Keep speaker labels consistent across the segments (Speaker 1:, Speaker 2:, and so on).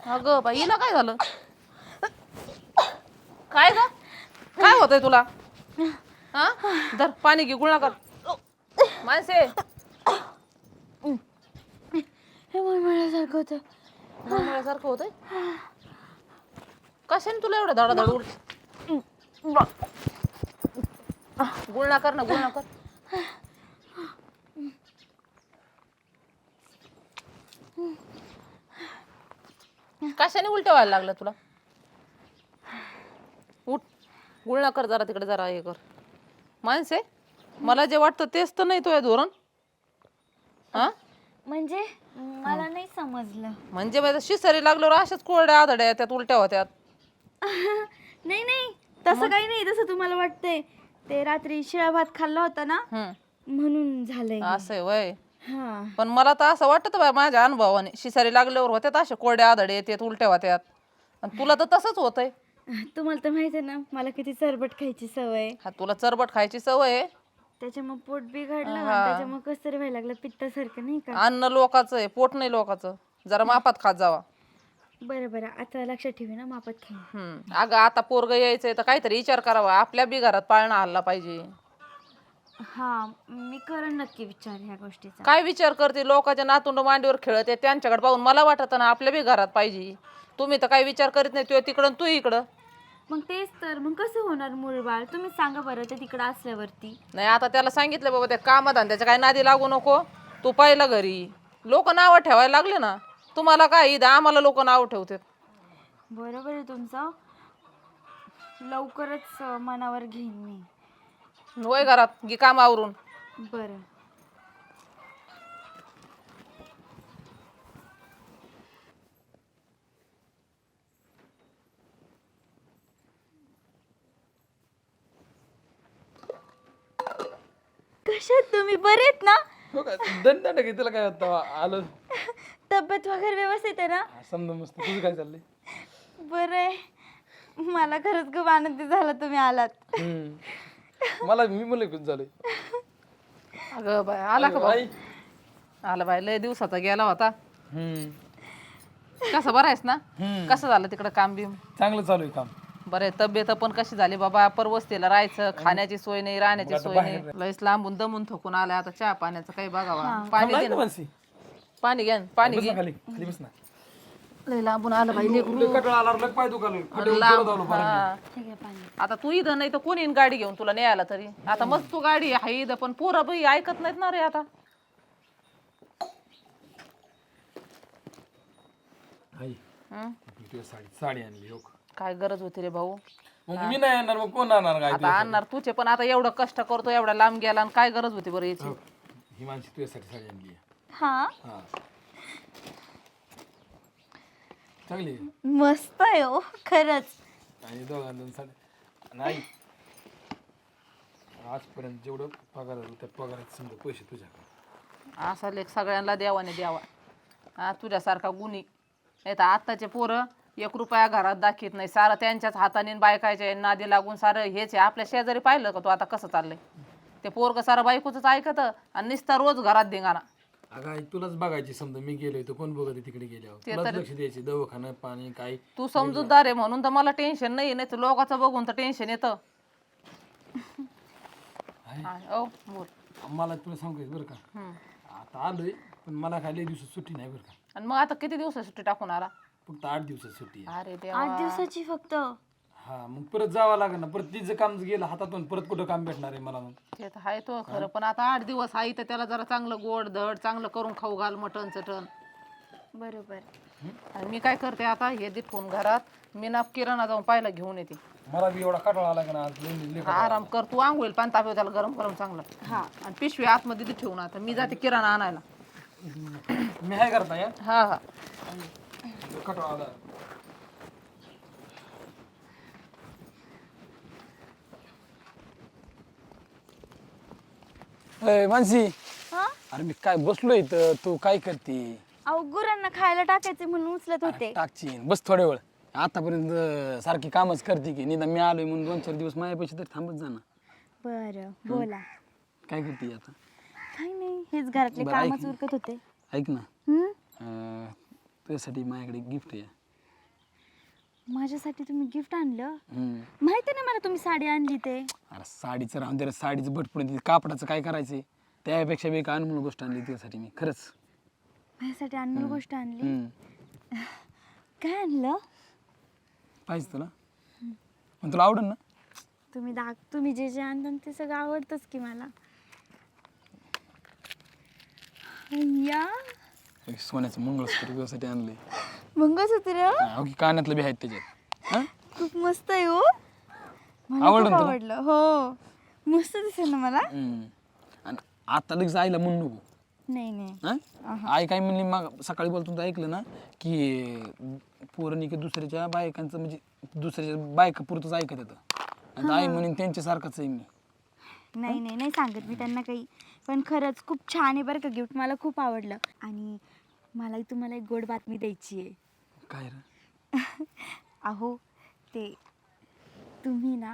Speaker 1: अगं बाई हिला काय झालं? काय ग? काय होतंय तुला? हा धर पाणी घे गुळणा कर. माणसे
Speaker 2: हे मळमळल्यासारखं होतं.
Speaker 1: मळमळ्यासारखं होतंय. कशाने तुला एवढं धडाधड उठ? गुळणा कर ना गुळणा कर. कशाने उलट्या व्हायला लागलं तुला? उठ गुळणा कर जरा तिकडे जरा हे कर. माणसे मला जे वाटतं तेच तर नाही तुझं धोरण. हा
Speaker 2: म्हणजे मला नाही समजलं.
Speaker 1: म्हणजे माझं शिसरी लागल्यावर अशाच कोरड्या आधड्या त्यात उलट्या होत्यात.
Speaker 2: नाही नाही तसं काही नाही. तसं तुम्हाला वाटतंय. ते रात्री शिळा भात खाल्ला होता ना म्हणून झालंय.
Speaker 1: असं आहे वय.
Speaker 2: हा
Speaker 1: पण मला तर असं वाटतं बाय माझ्या अनुभवाने शिसारी लागल्यावर होत्यात अशा कोरड्या आधडे येतात उलट्या होत्यात. आणि तुला तर तसंच होतंय.
Speaker 2: तुम्हाला तर माहिती आहे ना मला किती चरबट खायची सवय.
Speaker 1: हा तुला चरबट खायची सवय आहे.
Speaker 2: त्याच्यामुळे पोट बिघडलं आणि त्याच्यामुळे कसं तरी व्हायला लागलं पित्तासारखं नाही का.
Speaker 1: अन्न लोकाचं आहे पोट नाही लोकाचं. जरा मापात खात जावा.
Speaker 2: बरं बरं आता लक्षात ठेवी ना मापात खाईन.
Speaker 1: अगं आता पोरग यायचंय तर काहीतरी विचार करावा. आपल्या बी घरात पाळणा हल्ला पाहिजे.
Speaker 2: हा मी करेन नक्की विचार ह्या गोष्टीचा.
Speaker 1: काय विचार करते? लोकांच्या नातुंड मांडीवर खेळत आहे त्यांच्याकडे पाहून मला वाटत ना आपल्या बी घरात पाहिजे. तुम्ही तर काही विचार करीत नाही. तू तिकडं तू इकडं.
Speaker 2: मग तेच तर मग कसं होणार मूळ बाळ तुम्ही सांगा बरं ते तिकडं असल्यावरती.
Speaker 1: नाही आता त्याला सांगितलं बाबा त्या कामधंद्याच्या काही नादी लागू नको. तू पाहिलं घरी लोक नावं ठेवायला लागले ना. तुम्हाला काय इथं आम्हाला लोक नाव ठेवतात.
Speaker 2: बरोबर आहे तुमचं. लवकरच मनावर घेईन मी.
Speaker 1: वय घरात गी काम आवरून.
Speaker 2: बरं कशात तुम्ही बरे आहेत ना?
Speaker 3: दंड घेतला काय होता आलो.
Speaker 2: तब्येत वगैरे व्यवस्थित आहे ना?
Speaker 3: समजा मस्त. तुझं काय चाललंय?
Speaker 2: बरं आहे. मला खरंच खूप आनंदी झाला तुम्ही आलात.
Speaker 3: मला मी मुलं खूप झालंय.
Speaker 1: अगं बाय आला का बाई? आला बाय लय दिवसाचा गेला होता. कसं बरं आहेस ना? कसं झालं तिकडं काम बिम?
Speaker 3: चांगलं चालू आहे काम.
Speaker 1: बरं आहे. तब्येत पण कशी झाली बाबा? परवस्तीला राहायचं खाण्याची सोय नाही राहण्याची सोय नाही. लयच लांबून दमून थकून आलाय आता. चहा पाण्याचं काही बघावा. पाणी दे ना. पाणी घ्या पाणी घे.
Speaker 3: खाली खाली बस ना.
Speaker 1: लय लांबून आलं बाई लेकरू.
Speaker 3: कटाळा आला लग पाय दुखालो.
Speaker 1: हा.
Speaker 2: ठीक आहे पाणी.
Speaker 1: आता तू इथं नाही तर कोणी येईन गाडी घेऊन तुला न्यायला तरी. आता मस्त तू गाडी आहे इथं पण पोरं बाई ऐकत नाहीत ना रे आता.
Speaker 3: साडी आणली हो.
Speaker 1: काय गरज होती रे भाऊ?
Speaker 3: मग मी नाही आणणार मग कोण आणणार काय?
Speaker 1: आता आणणार तुझे पण आता एवढं कष्ट करतो एवढा लांब गेला आणि काय गरज होती बरं याची?
Speaker 3: ही माणशी तुझ्यासाठी साडी आणली.
Speaker 2: हा
Speaker 3: हा चांगली आहे.
Speaker 2: मस्त आहे हो खरंच.
Speaker 3: आणि दोघांना साडी नाही. आजपर्यंत जेवढं पगार झालं त्या पगारात समजा पैसे तुझ्या.
Speaker 1: असा लेख सगळ्यांना देवाने द्यावा. हा तुझ्यासारखा गुणी. नाही तर आत्ताचे पोरं 1 रुपया घरात दाखवत नाही. सारं त्यांच्याच हाताने बायकायच्या नादी लागून सारं हेच आहे. आपल्या शेजारी पाहिलं का तू आता कसं चाललंय? ते पोरग सारं बायकोच ऐकत आणि नुसता रोज घरात धिंगाणा.
Speaker 3: अगं आई तुलाच बघायची समजा. मी गेलोय तर कोण बघत तिकडे गेल्यावर? तुलाच लक्ष द्यायचे. दवाखाना पाणी काय.
Speaker 1: तू समजूतदार आहे म्हणून तर मला टेन्शन नाही. नाही तर लोकांचं बघून तर टेन्शन येतं. ओ बोल.
Speaker 3: मला तुला सांगायचं बरं का. आता आलोय पण मला काय लय दिवसात सुट्टी नाही बरं का.
Speaker 1: आणि मग आता किती दिवस सुट्टी टाकून आला?
Speaker 3: फक्त 8 दिवसात सुट्टी आहे.
Speaker 1: अरे देवा.
Speaker 2: 8 दिवसाची फक्त.
Speaker 3: हा मग परत जावं लागेल ना. परत तिचं काम गेलं हातातून परत कुठं काम भेटणार आहे मला? मग
Speaker 1: ते तर आहे तो खरं पण आता 8 दिवस आहे तर त्याला जरा चांगलं गोड धड चांगलं करून खाऊ घाल. मटण चटण.
Speaker 2: बरोबर.
Speaker 1: आणि मी काय करते आता हे दे ठेवून घरात मी ना किराणा जाऊन पाहिला घेऊन येते.
Speaker 3: मला बी एवढा कटाळा आला का ना आज लय
Speaker 1: आराम कर तू. आंघोळीला पाणी तापव त्याला गरम गरम चांगलं. हा आणि पिशवी आतमध्ये दे ठेवून आता मी जाते किराणा आणायला.
Speaker 3: मी काय करता या
Speaker 1: हा हा
Speaker 3: कटाळा आला. मानसी
Speaker 2: हा
Speaker 3: अरे मी काय बसलो इथं. तू काय करते?
Speaker 2: अहो गुरांना खायला टाकायचे म्हणून उचलत होते.
Speaker 3: टाकचीन बस थोड्या वेळ. आतापर्यंत सारखी कामच करते की निदान मी आलोय म्हणून 2-4 दिवस माझ्यापाशी तर थांबत जा ना.
Speaker 2: बरं बोला.
Speaker 3: काय करते आता?
Speaker 2: काही नाही हेच घरातले
Speaker 3: बरं, ऐक
Speaker 2: कामच उरकत होते.
Speaker 3: ऐक ना.
Speaker 2: हम्म?
Speaker 3: तुझ्यासाठी माझ्याकडे गिफ्ट आहे.
Speaker 2: माझ्यासाठी तुम्ही गिफ्ट आणलं?
Speaker 3: हम्म.
Speaker 2: माहिती ना मला तुम्ही साडी आणली ते.
Speaker 3: अरे साडीचं राहून दे रे, साडीचं बट पडून कापडाचं काय करायचंय, त्यापेक्षा बी एक अनमोल गोष्ट आणली त्यासाठी मी खरंच.
Speaker 2: माझ्यासाठी अनमोल गोष्ट आणली.
Speaker 3: हम्म.
Speaker 2: काय आणलं?
Speaker 3: पाहिजे तुला, पण तुला आवडेल ना?
Speaker 2: तुम्ही जे जे आणता ते सगळं आवडतंच की मला. या
Speaker 3: सोन्याचं मंगळसूत्र तुझ्यासाठी आणलंय.
Speaker 2: मंगळसूत्र
Speaker 3: की कानातलं बी आहेत त्याच्यात. हा?
Speaker 2: खूप मस्त आहे हो. मला
Speaker 3: आवडलं
Speaker 2: खूप
Speaker 3: ना तुला?
Speaker 2: आवडलं हो. मस्त दिसेल ना मला.
Speaker 3: आणि आता लगेच आईला म्हणू नको.
Speaker 2: नाही नाही.
Speaker 3: हा? आई काय म्हणली, मग सकाळी बोलतो तर ऐकलं ना की पोरांनी की दुसऱ्याच्या बायकांचं म्हणजे दुसऱ्याच्या बायका पुरतच ऐकत येतं. आणि आई म्हणून त्यांच्यासारखंच आहे मी.
Speaker 2: नाही नाही नाही सांगत मी त्यांना काही. पण खरंच खूप छान आहे बरं का गिफ्ट. मला खूप आवडलं. आणि मलाही तुम्हाला एक गोड बातमी द्यायची आहे.
Speaker 3: काय रे?
Speaker 2: अहो ते तुम्ही ना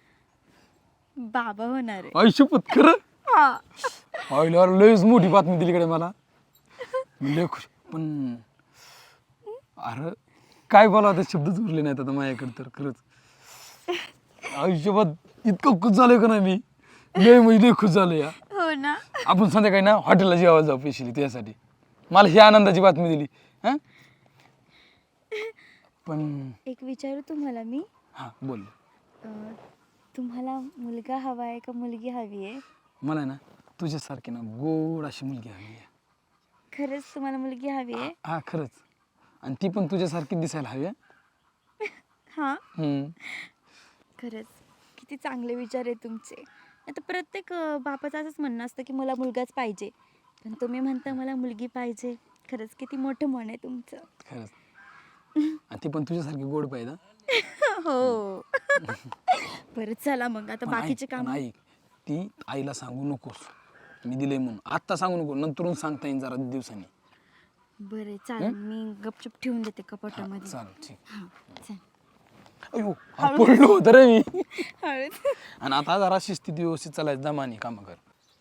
Speaker 2: बाबा होणार आहे.
Speaker 3: आई शपथ खरं?
Speaker 2: हा.
Speaker 3: आईला लयच मोठी बातमी दिली कडे मला. मी लय खुश. पण अरे काय बोलावं, ते शब्दच उरले नाहीत आता माझ्याकडे तर खरंच. आयुष्यभर इतकं खुश झालोय का नाही मी, लय म्हणजे लय खुश झालो या.
Speaker 2: हो ना.
Speaker 3: आपण संध्याकाळी ना हॉटेलला जेवायला जाऊ पेशली त्यासाठी. मला ही आनंदाची बातमी दिली. हा पण
Speaker 2: एक विचारू तुम्हाला मी.
Speaker 3: हा बोल.
Speaker 2: तुम्हाला मुलगा हवा आहे का मुलगी हवी आहे?
Speaker 3: मला आहे ना तुझ्यासारखी ना गोड अशी मुलगी हवी आहे.
Speaker 2: खरंच तुम्हाला मुलगी हवी आहे?
Speaker 3: हा खरंच. आणि ती पण तुझ्यासारखी दिसायला हवी.
Speaker 2: हा.
Speaker 3: हम्म.
Speaker 2: खरंच किती चांगले विचार आहे तुमचे. आता प्रत्येक बापाचं असंच म्हणणं असतं की मला मुलगाच पाहिजे, पण तुम्ही म्हणता मला मुलगी पाहिजे. खरंच किती मोठं मन आहे तुमचं.
Speaker 3: खरंच. आणि ती पण तुझ्यासारखी गोड पाहिजे.
Speaker 2: हो. बरं चला मग आता
Speaker 3: पण
Speaker 2: बाकीचे
Speaker 3: ऐक,
Speaker 2: काम.
Speaker 3: पण ऐक, ती आईला सांगू नकोस मी दिले म्हणून. आत्ता सांगू नको, नंतरून सांगता येईल जरा दिवसांनी.
Speaker 2: बरं चालेल, मी गपचूप ठेवून देते
Speaker 3: हा,
Speaker 2: कपाटामध्ये.
Speaker 3: चालेल ठीक.
Speaker 2: हां चल.
Speaker 3: अयो हा, पडलो होतं रे मी.
Speaker 2: हळद.
Speaker 3: आणि आता जरा शिस्तीत व्यवस्थित चालायचं, दमानी काम कर.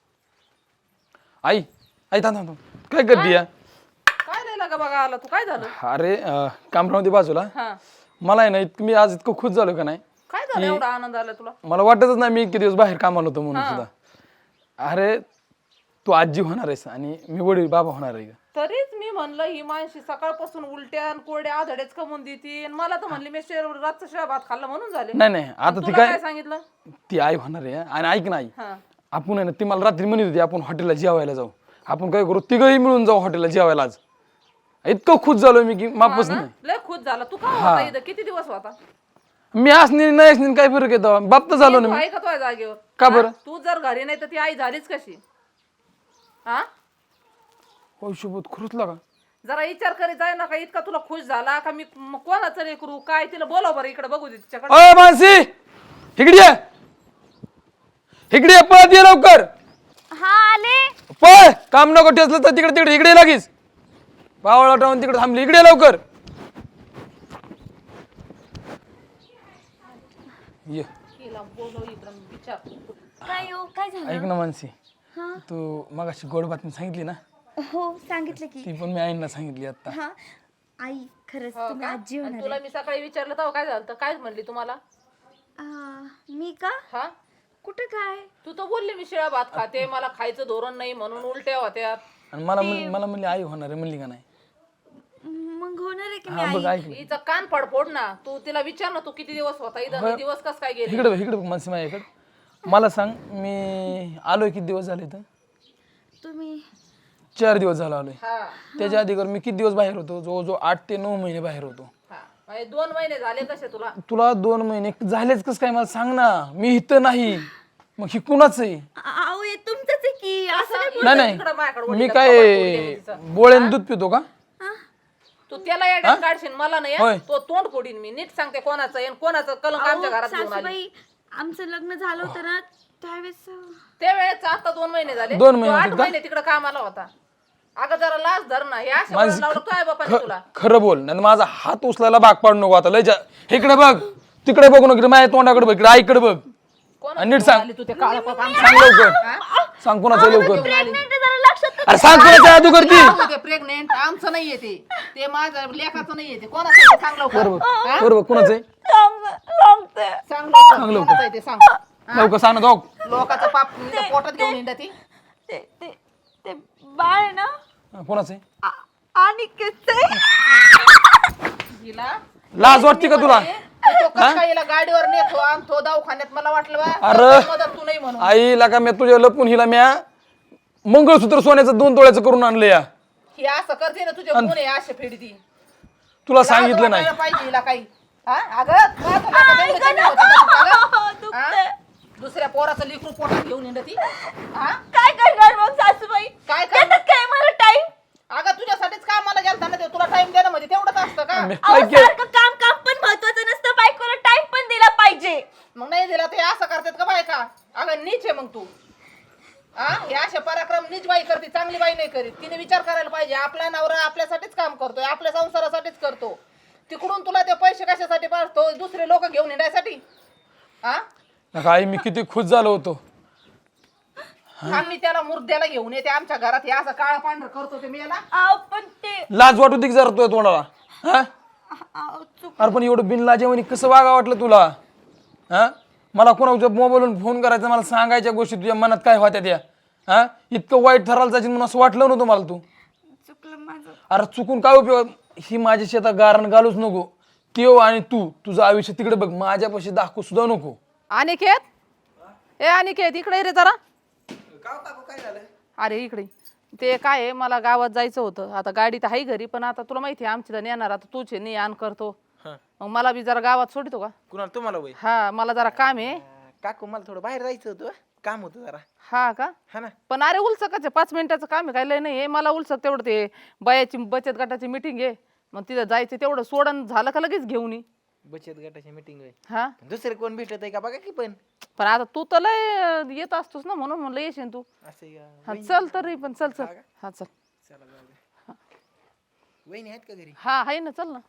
Speaker 3: आई आई थांब थांब थांब. काय करते या?
Speaker 1: काय नाही लागा बघा आला तू, काय झालं?
Speaker 3: अरे कामरावती बाजूला.
Speaker 1: हा
Speaker 3: मला आहे ना मी आज इतकं खुश झालो का नाही,
Speaker 1: काय झालं एवढा आनंद आला तुला?
Speaker 3: मला वाटतच नाही मी इतके दिवस बाहेर कामाला होतो म्हणून सुद्धा. अरे तू आजी होणार आहेस आणि मी वडील बाबा होणार आहे.
Speaker 1: तरीच मी म्हणलं ही माणशी सकाळपासून उलट्या आणि कोरड्या आधडेच कमवून देते. मला तर म्हणली मी रातचा शिळा भात खाल्ला म्हणून झाले.
Speaker 3: नाही नाही आता ती
Speaker 1: तुला
Speaker 3: काय
Speaker 1: काय सांगितलं?
Speaker 3: ती आई होणार आहे. आणि ऐक ना आई,
Speaker 1: हा
Speaker 3: आपण आहे ना, ती मला रात्री म्हणत होती आपण हॉटेलला जेवायला जाऊ. आपण काय करू, तिघही मिळून जाऊ हॉटेलला जेवायला आज. इतकं खुश झालो मी की मापच नाही.
Speaker 1: लय खुश झाला. तू का होता इथं? किती दिवस होता?
Speaker 3: मी असणे नाही असणे काय फरक येतो, बाप तर झालो ना
Speaker 1: तू
Speaker 3: मी.
Speaker 1: आहे का तुझ्या जागेवर?
Speaker 3: का बरं?
Speaker 1: तू जर घरी नाही तर ती आई झालीच कशी? हा
Speaker 3: हो सोबत खरंच लागा.
Speaker 1: जरा विचार करीत जाय ना, का इतका तुला खुश झाला का मी कोणाचं रे करू काय? तिला बोलाव बरं इकडे बघू दे तिच्याकडे.
Speaker 3: अय मानसी, इकडे ये. इकडे ये, पळत ये लवकर.
Speaker 2: हा आले.
Speaker 3: पळ, काम नको ठेचलं तर तिकडे तिकडे इकडे ये लगेच. बावळा टावून तिकडे थांबली, इकडे ये लवकर ये.
Speaker 1: तिला बोलव इकडं विचार.
Speaker 2: काय हो काय झालं?
Speaker 3: ऐक ना मानसी,
Speaker 2: हा.
Speaker 3: तू मगाशी गोड बातमी सांगितली ना,
Speaker 2: हो सांगितलं की.
Speaker 3: ती पण मी आईंना सांगितली आता.
Speaker 2: हा आई खरंच
Speaker 1: हो
Speaker 2: तुम्ही
Speaker 1: का?
Speaker 2: आजी
Speaker 1: आणि
Speaker 2: होणार
Speaker 1: तुला
Speaker 2: आहे.
Speaker 1: मी सकाळी विचारलं तेव्हा काय झालं? तर काय म्हणली तुम्हाला?
Speaker 2: मी का?
Speaker 1: हा
Speaker 2: कुठं काय?
Speaker 1: तू तर बोलली मी शिळा भात खाते, मला खायचं धोरण नाही म्हणून उलट्या होत्या.
Speaker 3: आणि मला म्हणली आई होणार आहे, म्हणली का नाही?
Speaker 2: मग होणार आहे की मी
Speaker 3: हा बघ
Speaker 2: आई.
Speaker 3: ऐकलं.
Speaker 1: हिचं कान फडफोड ना. तू तिला विचार ना, तू किती दिवस होता इथं आणि दिवस कस काय गेले?
Speaker 3: इकडे बघ, इकडे बघ मानसी माझ्याकडे. मला सांग, मी आलोय किती दिवस झाले तर?
Speaker 2: तुम्ही
Speaker 3: 4 दिवस झाला आलोय.
Speaker 1: हा
Speaker 3: त्याच्या आधीवर मी किती दिवस बाहेर होतो? जवळजवळ 8 ते 9 महिने बाहेर होतो.
Speaker 1: हा म्हणजे 2 महिने झाले कसे तुला?
Speaker 3: तुला 2 महिने झालेच कस काय मला सांग ना. मी इथं नाही, मग ही कुणाच आहे?
Speaker 2: अहो हे तुमचंच आहे की. असं नाही
Speaker 1: इकडं
Speaker 3: नाही
Speaker 1: तिकडं माझ्याकडे
Speaker 3: मी
Speaker 1: वडील
Speaker 3: काय
Speaker 1: तिचं.
Speaker 3: बोळ्याने दूध पितो का?
Speaker 1: तू त्याला याड्यात काढशील, मला नाही
Speaker 3: होय.
Speaker 1: हं? तो तोंड फोडीन मी. नीट सांगते कोणाचं आहे आणि कोणाचं कलंक आमच्या घरात घेऊन आली.
Speaker 2: सासूबाई आमचं लग्न झालं होतं ना त्यावेळेस.
Speaker 1: त्यावेळेस आता 2 महिने झाले.
Speaker 3: 2 महिने
Speaker 1: तो 8
Speaker 3: होते का?
Speaker 1: महिने तिकडे कामाला होता. अगं जरा लाज धर ना. हे अशा वळण लावलं काय बापाने तुला?
Speaker 3: खरं बोल, नाही माझा हात उचलायला भाग पाडू नको आता. लय इकडे बघ, तिकडे बघू नको, माझ्या तोंडाकडे बघ, इकडे आईकडे बघ. आणि नीट सांग
Speaker 1: तू ते काळं पाप आमचं
Speaker 3: सांग लवकर सांग कोणाचं लवकर
Speaker 2: प्रेग्नेंट आहे, जरा लक्षात
Speaker 3: अरे सांग कोणाचं जादू करती
Speaker 1: ते प्रेग्नेंट आमचं नाहीये ते माझ्या लेखाचं नाहीये ते कोणाचं आहे ते सांग लवकर हा?
Speaker 3: बरोबर कोणाचं आहे
Speaker 2: सांगते.
Speaker 1: सांग लवकर कोणाचं आहे ते सांग
Speaker 3: लवकर सांग ना जाऊ
Speaker 1: लोकांचं पाप नुसतं पोटात घेऊन येणार ती
Speaker 2: ते ते ते बाळ आहे ना
Speaker 3: कोणाचं आहे
Speaker 2: आणि
Speaker 1: हिला
Speaker 3: लाज वाटते का तुला
Speaker 1: तो कसं काय हिला गाडीवर नेतो आणतो दवाखान्यात मला वाटलं बा,
Speaker 3: अरे.
Speaker 1: मदत तू नाही म्हणून
Speaker 3: आईला का मी तुझ्या लपून हिला म्या मंगळसूत्र सोन्याचं 2 तोळ्याचं करून आणलं या
Speaker 1: ही असं करते ना तुझ्या गुन्हे असे फेडती
Speaker 3: तुला सांगितलं नाही
Speaker 1: पाहिजे हिला काही हा? अगं माझं लेकरं तेवढं कमी होतं का तुझं, अगं? हा? दुसऱ्या पोराचं लेकरू पोटात घेऊन येणं ती हा
Speaker 2: काय करणार मग सासूबाई?
Speaker 1: काय करणार?
Speaker 2: देतात काय मला टाइम?
Speaker 1: अगं तुझ्यासाठीच कामाला गेलता ना ते तुला टाइम देणं म्हणजे तेवढंच असतं का
Speaker 3: मी काय केलं
Speaker 2: सारखं काम काम पण महत्वाचं नसतं, बायकोला टाइम पण दिला पाहिजे.
Speaker 1: मग नाही दिला ते असं करतात का बायका अगं नीच आहे मग तू हा हे असे पराक्रम नीच बाई करते चांगली बाई नाही करीत तिने विचार करायला पाहिजे आपला नवरा आपल्यासाठीच काम करतोय आपल्या संसारासाठीच करतो तिकडून तुला ते पैसे कशासाठी पाठतो दुसरे लोक घेऊन येण्यासाठी हा
Speaker 3: आई मी किती खुश झालो होतो
Speaker 1: आम्ही त्याला मुर्द्याला घेऊन येते आमच्या घरात हे असं काळा पांढर करतो ते मेला
Speaker 2: पण ते
Speaker 3: लाज वाटू दे की जरा तुझ्या तोंडाला हा अरे पण एवढं बिनलाजेवानी कसं वागा वाटलं तुला हा मला कोणाच्या मोबाईलवरून फोन करायचा मला सांगायच्या गोष्टी तुझ्या मनात काय होत्या त्या हा इतकं वाईट ठरायला जायचं म्हणून असं वाटलं नव्हतं मला तू
Speaker 2: चुकलं माझं.
Speaker 3: अरे चुकून काय उपयोग ही माझ्या शेतात गारण घालूच नको त्यो आणि तू तुझं आयुष्य तिकडे बघ माझ्यापाशी दाखवू सुद्धा नको
Speaker 1: अनिकेत ए अनिकेत इकडे ये रे जरा अरे इकडे ते काय आहे मला गावात जायचं होतं आता गाडी तर आहे घरी पण आता तुला माहिती आहे आमची तर नेणार आता तूच आहे आण करतो मग मला बी जरा गावात सोडतो का
Speaker 4: कुणाला तुम्हाला वय
Speaker 1: हा मला जरा काम आहे
Speaker 4: काकू मला थोडं बाहेर जायचं होतं काम होतं जरा
Speaker 1: हा का
Speaker 4: हा ना
Speaker 1: पण अरे उलसकच आहे 5 मिनिटाचं काम आहे काय लय नाही मला उलसक तेवढं ते बायाची बचत गटाची मिटिंग आहे मग तिथं जायचं तेवढं सोडून झालं का लगेच घेऊन ये
Speaker 4: बचत गटाची मीटिंग होय
Speaker 1: हा
Speaker 4: दुसरे कोण भेटत आहे का बघा की पण
Speaker 1: आता तू तर लय येत असतोस ना म्हणून म्हणलं येशील तू
Speaker 4: असं
Speaker 1: हा चल तरी पण चल चल हा चल
Speaker 4: चला जाऊ दे. वहिनी आहेत का घरी
Speaker 1: हा आहे ना चल ना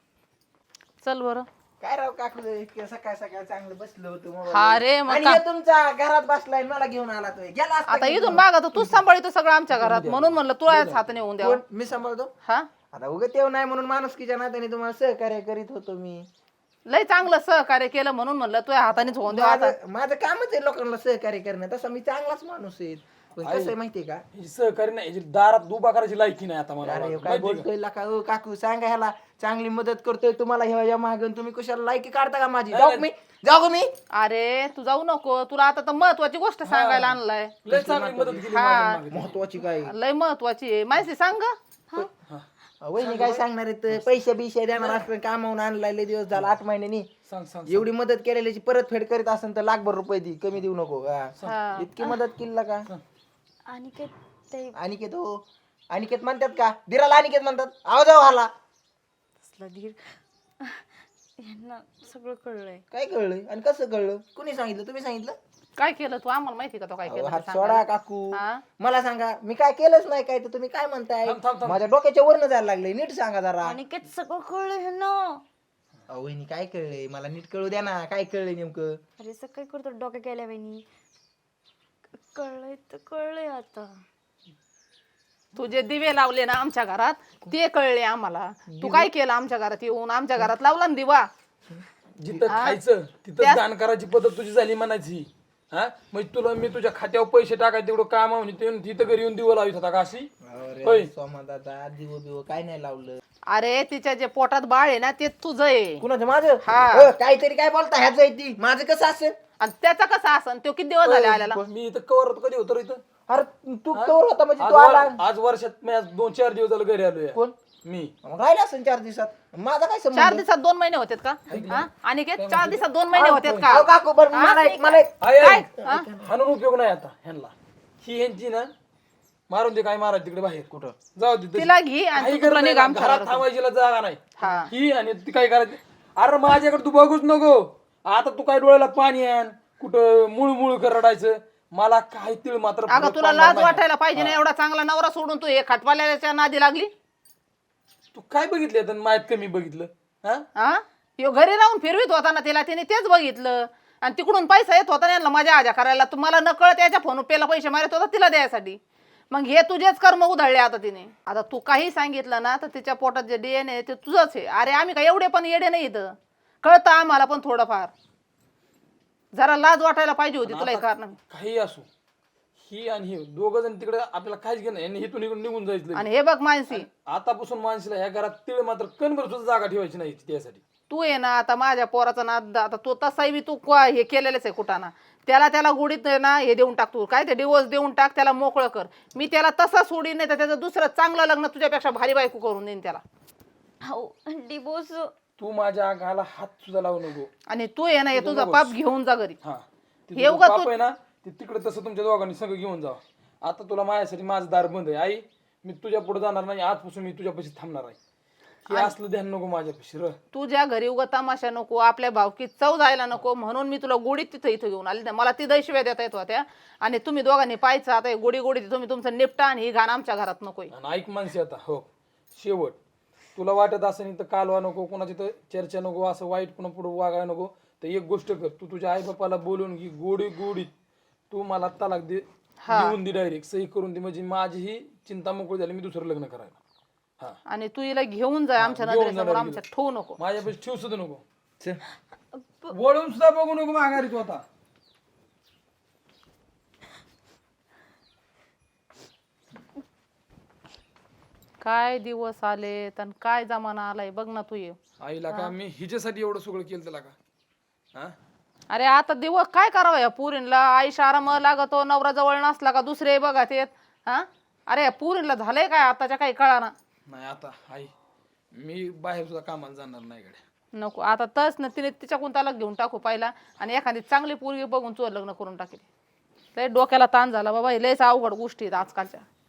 Speaker 1: चल बरं
Speaker 4: काय राव काकू इतकं सकाळ सकाळ चांगलं बसलो होतो mobile
Speaker 1: हा
Speaker 4: वर.
Speaker 1: रे मग
Speaker 4: आणि
Speaker 1: का-
Speaker 4: हे तुमचा घरात बसलाय मला घेऊन आला तो गेला असता
Speaker 1: आता
Speaker 4: की
Speaker 1: इथून मागा तर तूच सांभाळतो सगळं आमच्या घरात म्हणून म्हणलं तुलाच हाताने होऊन द्यावं
Speaker 4: कोण? मी सांभाळतो
Speaker 1: हा
Speaker 4: आता उगा तेव नाही म्हणून माणुसकीच्या नात्याने तुम्हाला सहकार्य करीत होतो मी
Speaker 1: लय चांगलं सहकार्य केलं म्हणून म्हणलं तुझ्या हातानेच होऊन द्यावं आता
Speaker 4: माझं कामच आहे लोकांना सहकार्य करणं तसं मी चांगलाच माणूस आहे पण कसं आहे माहितीये का
Speaker 3: हिची सहकारी नाही हिची दारात उभा करायची लायकी नाही आता मला
Speaker 4: अरे
Speaker 3: वाटतं.
Speaker 4: काय
Speaker 3: माहिती
Speaker 4: बोलतोय का ओ काकू सांगा ह्याला चांगली मदत करतोय तुम्हाला ह्या मागून तुम्ही कशाला लायकी काढता का माझी जाऊ का मी
Speaker 1: अरे तू जाऊ नको तुला आता तर महत्वाची गोष्ट सांगायला आणलाय
Speaker 3: का? लय चांगली मदत केली
Speaker 1: हा.
Speaker 3: माझ्या मागे.
Speaker 4: महत्वाची काय
Speaker 1: लय महत्वाची आहे माहिती सांग ग.
Speaker 4: वहिनी काय सांगणार आहेत पैसे बिशे देणार असं कामावून आणलाय लय दिवस झाला 8 महिन्यांनी
Speaker 3: सांग सांग
Speaker 4: एवढी मदत केलेल्याची परतफेड करीत असेल तर लाखभर रुपये दी कमी देऊ नको हा.
Speaker 1: हा.
Speaker 4: इतकी मदत केली का
Speaker 2: आणि काय ते
Speaker 4: अनिकेत हो अनिकेत म्हणतात का दिराला अनिकेत म्हणतात आवाज आला
Speaker 2: तसला धीर यांना सगळं कळलंय.
Speaker 4: काय कळलं आणि कसं कळलं कुणी सांगितलं तुम्ही सांगितलं
Speaker 1: काय केलं तू आम्हाला माहिती का तो काय केलं
Speaker 4: हात
Speaker 1: ते
Speaker 4: सोडा
Speaker 1: सांगायला?
Speaker 4: काकू
Speaker 1: हा?
Speaker 4: मला सांगा मी काय केलंच नाही काय तर तुम्ही काय म्हणताय
Speaker 3: थांब, थांब, थांब.
Speaker 4: माझ्या डोक्याच्या वरनं जायला लागले नीट सांगा जरा
Speaker 2: आणि काय सगळं कळलं ह्यांना.
Speaker 4: वहिनी काय कळलंय मला नीट कळू द्या ना काय कळलंय नेमकं
Speaker 2: अरे सगळं काय करतो डोक्या गेल्या वहिनी. कळलंय तर कळलंय आता.
Speaker 1: तू जे दिवे लावले ना आमच्या घरात ते कळले आम्हाला तू काय केलं आमच्या घरात येऊन आमच्या घरात लावला ना दिवा
Speaker 3: जिथं खायचं तिथं दान करायची पद्धत तुझी झाली म्हणायची हा मग तुला मी तुझ्या खात्यावर पैसे टाकायचे तेवढं काम आहे तिथं घरी येऊन दिवं लावित होता का अशी होय.
Speaker 4: अरे सोमा दादा दिव बिव काय नाही लावलं
Speaker 1: अरे तिच्या जे पोटात बाळ आहे ना ते तुझं आहे
Speaker 4: कुणाचं माझं
Speaker 1: हा.
Speaker 4: काहीतरी काय बोलता ह्याच आहे ती माझं कसं असेल
Speaker 1: आणि त्याचा कसा असन तो किती दिवस झाले आलेला
Speaker 3: पण मी इथं कवर होतो कधी होतो रे इथं
Speaker 4: अरे तू कवर होता म्हणजे
Speaker 3: आज
Speaker 4: तू आला
Speaker 3: आज वर्षात मी आज 2-4 दिवस झालं घरी आलोय
Speaker 4: कोण
Speaker 3: मी
Speaker 4: मग राहिला असेल 4 दिवसात माझा काय
Speaker 1: 4
Speaker 4: संबंध
Speaker 1: दिवसात 2 महिने होतेत का हा? आणि 4 दिवसात 2 महिने होतेत का
Speaker 4: अहो, काकू बरं मला एक
Speaker 3: आहे, आहे.
Speaker 1: काय? हा?
Speaker 3: हाणून उपयोग नाही आता ह्यांना ही ह्यांची ना मारून दे काय मारायचं तिकडे बाहेर कुठं जाऊ दे तशी.
Speaker 1: तिला घे आणि
Speaker 3: काही
Speaker 1: तू तुला
Speaker 3: गरज
Speaker 1: निघ
Speaker 3: नाही,
Speaker 1: आमच्या
Speaker 3: घरात
Speaker 1: घरातून.
Speaker 3: थांबायची जागा नाही
Speaker 1: हा
Speaker 3: ही आणि ती काय करायची अरे माझ्याकडे तू बघूच नको आता तू काय डोळ्याला पाणी आण कुठं मुळ कर रडायचं मला काय तिळ मात्र
Speaker 1: अगं
Speaker 3: फरक
Speaker 1: तुला
Speaker 3: पडणार
Speaker 1: लाज
Speaker 3: नाही.
Speaker 1: वाटायला पाहिजे ना एवढा चांगला नवरा सोडून तू हे खटवाल्याच्या नादी लागली
Speaker 3: तू काय बघितलं आता माहित कमी बघितलं हा
Speaker 1: हा ह्यो घरी राहून फिरवीत होता ना तिला तिने तेच बघितलं आणि तिकडून पैसा येत होता ना यांना मजा आजा करायला, तुम्हाला नकळत याच्या फोन पेला पैसे मारत होता तिला द्यायसाठी. मग हे तुझेच कर्म उधळले आता तिने. आता तू काही सांगितलं ना तर तिच्या पोटात जे DNA ते तुझंच आहे. अरे आम्ही काय एवढे पण येडे नाही इथं, कळतं आम्हाला पण थोडंफार. जरा लाज वाटायला पाहिजे होती तुला हे कारण.
Speaker 3: काही असो, ही आणि ही दोघं जण तिकडे आपल्याला काहीच घेणं यांनी हिथून इकडून निघून जायचं.
Speaker 1: आणि हे बघ मानसी,
Speaker 3: आतापासून माणसाला ह्या घरात तिळ मात्र कणभर सुद्धा जागा ठेवायची नाही त्यासाठी.
Speaker 1: तू आहे ना आता माझ्या पोराचा नाद, आता तो तसाही बी तू हे केलेलंच आहे कुठाना. त्याला गुडीत ना हे देऊन टाक, तू काय ते डिवोर्स देऊन टाक, त्याला मोकळं कर. मी त्याला तसा सोडीन नाही तर त्याचं दुसरं चांगलं लग्न तुझ्यापेक्षा भारी बायको करून देईन त्याला.
Speaker 2: हो डिवोर्स.
Speaker 3: तू माझ्या अंगाला हात सुद्धा लावू नको.
Speaker 1: आणि तू आहे ना हे तुझा पाप घेऊन जा घरी.
Speaker 3: हा
Speaker 1: हे उगा
Speaker 3: पाप आहे ना ते तिकडे तसं तुमच्या दोघांनी सगळं घेऊन जावं. आता तुला माझ्यासाठी माझं दार बंद आहे. आई मी तुझ्या पुढे जाणार नाही, आजपासून मी तुझ्यापाशी थांबणार आहे. हे असलं ध्यान नको माझ्यापाशी.
Speaker 1: तुझ्या घरी उगा तमाशा नको, आपल्या भावकीत चव जायला नको म्हणून मी तुला गोडीत तिथं इथं घेऊन आली. मला ती दैशिव्या देता येत होत्या. आणि तुम्ही दोघांनी पाहायचं आता गोडी गोडी तुम्ही तुमचं निपटा आणि ही घाण आमच्या घरात नकोय.
Speaker 3: आणि ऐक माणसे आता हो शेवट, तुला वाटत असं नाही तर कालवा नको, कोणाची तर चर्चा नको, असं वाईट पुन्हा पुढे वागायला नको. तर एक गोष्ट कर, तू तुझ्या आई बापाला बोलून की गोडी गोडीत तू मला तलाक दे, देऊन दे, डायरेक्ट सही करून दे. म्हणजे माझी ही चिंता मोकळी झाली, मी दुसरं लग्न करायला. हा
Speaker 1: आणि तू हिला घेऊन जा आमच्या नजरेसमोर, आमच्या ठेवू नको.
Speaker 3: माझ्यापाशी ठेवू सुद्धा नको, वळून सुद्धा बघू नको माघारी तू आता.
Speaker 1: काय दिवस आले आणि काय जमाना आलाय बघ ना तू. ये
Speaker 3: आईला का मी हिच्यासाठी एवढं सगळं केलं त्याला का? हा
Speaker 1: अरे आता दिवस काय करावं या पुरीला, आईशा आराम लागतो, नवरा जवळ नसला का दुसरे बघा ते. हा अरे या पुरीला झालंय काय आताच्या काही कळाना.
Speaker 3: नाही आता आई मी बाहेर सुद्धा कामाला जाणार नाही गड्या.
Speaker 1: नको आता तस ना, तिने तिच्याकडून त्याला घेऊन टाकू पहिला आणि एखादी चांगली पोरगी बघून चोर लग्न करून टाकेल. लय डोक्याला ताण झाला बाबा, लयच अवघड गोष्टी आहेत आजकालच्या.